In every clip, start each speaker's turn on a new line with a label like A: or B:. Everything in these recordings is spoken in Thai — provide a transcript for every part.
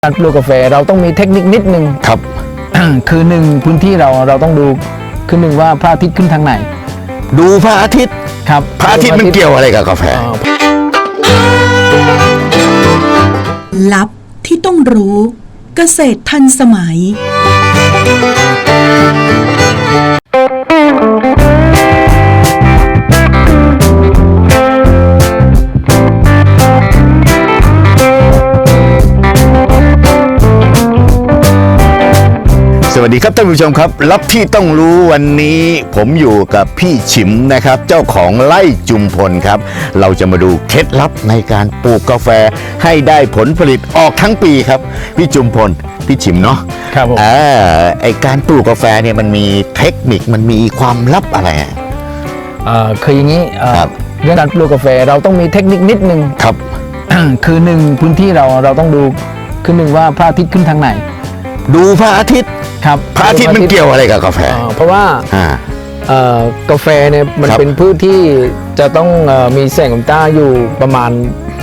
A: การปลูกกาแฟเราต้องมีเทคนิคนิดนึง
B: ครับ
A: คือหนึ่งพื้นที่เราต้องดูคือหนึ่งว่าพระอาทิตย์ขึ้นทางไหน
B: ดูพระอาทิตย์
A: ครับ
B: พระอาทิตย์มันเกี่ยวอะไรกับกาแฟ
C: ลับที่ต้องรู้เกษตรทันสมัย
B: สวัสดีครับท่านผู้ชมครับลับที่ต้องรู้วันนี้ผมอยู่กับพี่ฉิมนะครับเจ้าของไร่จุมพลครับเราจะมาดูเคล็ดลับในการปลูกกาแฟให้ได้ผลผลิตออกทั้งปีครับพี่จุมพลพี่ฉิมเนาะ
A: ครับผม
B: ไอการปลูกกาแฟเนี่ยมันมีเทคนิคมันมีความลับอะไร
A: คืออย่างนี้
B: ครับ
A: เรื่องการปลูกกาแฟเราต้องมีเทคนิคนิดนึง
B: ครับ
A: คือหนึ่งพื้นที่เราต้องดูคือหนึ่งว่าพระอาทิตย์ขึ้นทางไหน
B: ดูพระอาทิตย์
A: ครับ
B: พระอาทิตย์มันเกี่ยวอะไรกับกาแฟ
A: เพราะว่า
B: อ่า
A: กาแฟเนี่ยมัน
B: ครับ
A: เป็นพืชที่จะต้องมีแสงของต้าอยู่ประมาณ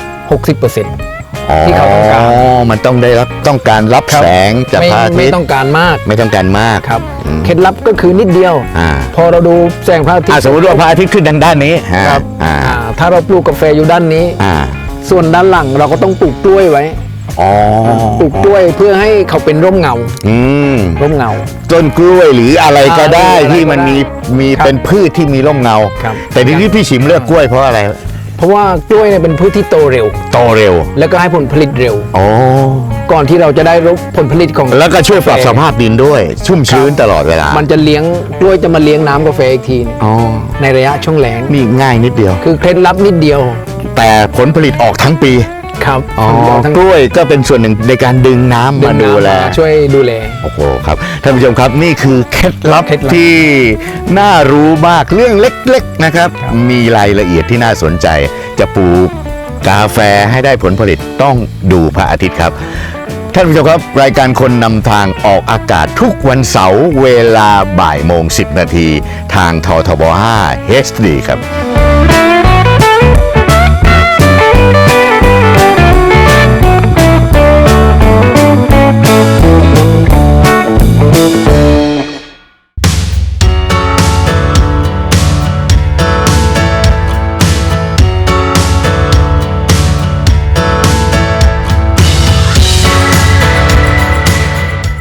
A: 60% ที่เขาต้องการ
B: มันต้องการรับ
A: ครับ
B: แสงจากพระอาทิ
A: ไม่
B: ตย์
A: ต้องการมาก
B: ไม่ต้องการมาก
A: ครับ
B: อืม
A: เคล็ดลับก็คือนิดเดียว พอเราดูแสงพระอาทิตย์
B: สมมติว่าพระอาทิตย์ขึ้นทางด้านนี้
A: ครับ
B: อ่า
A: ถ้าเราปลูกกาแฟอยู่ด้านนี้
B: อ่า
A: ส่วนด้านหลังเราก็ต้องปลูกกล้วยไว้
B: อ๋อ
A: ปลูกกล้วยเพื่อให้เขาเป็นร่มเงา
B: อืม
A: ร่มเงา
B: ต้นกล้วยหรืออะไรก็ได้
A: อะไรก็ได้
B: ที่มันมี
A: ครับ
B: เป็นพืชที่มีร่มเงา
A: ครับ
B: แต่ทีนี้พี่ฉิมเลือกกล้วยเพราะอะไร
A: เพราะว่ากล้วยเนี่ยเป็นพืชที่โตเร็ว
B: โตเร็ว
A: แล้วก็ให้ผลผลิตเร็ว
B: อ๋อ
A: ก่อนที่เราจะได้รับผลผลิตของ
B: แล้วก็ช่วยปรับ
A: กาแฟ
B: สภาพดินด้วย ชุ่มชื้นตลอดเวลา
A: มันจะเลี้ยงกล้วยจะมาเลี้ยงน้ำกาแฟอีกที
B: อ๋อ
A: ในระยะช่วงแล้ง
B: นี่ง่ายนิดเดียว
A: คือเคล็ดลับนิดเดียว
B: แต่ผลผลิตออกทั้งปี
A: ครับ
B: อ๋อ
A: ทั้ง
B: กล้วยก็เป็นส่วนหนึ่งในการดึงน้ำมาดูแล
A: ช่วยดูแล
B: โอ้โหครับท่านผู้ชมครับนี่คือเคล็ดลับ
A: เคล็ดลับ
B: ที่น่ารู้มากเรื่องเล็กๆนะครับ
A: ครับ
B: มีรายละเอียดที่น่าสนใจ จะปลูกกาแฟให้ได้ผลผลิตต้องดูพระอาทิตย์ครับ ท่านผู้ชมครับรายการคนนำทางออกอากาศทุกวันเสาร์เวลาบ่ายโมง10 นาทีทางททบ 5 HD ครับ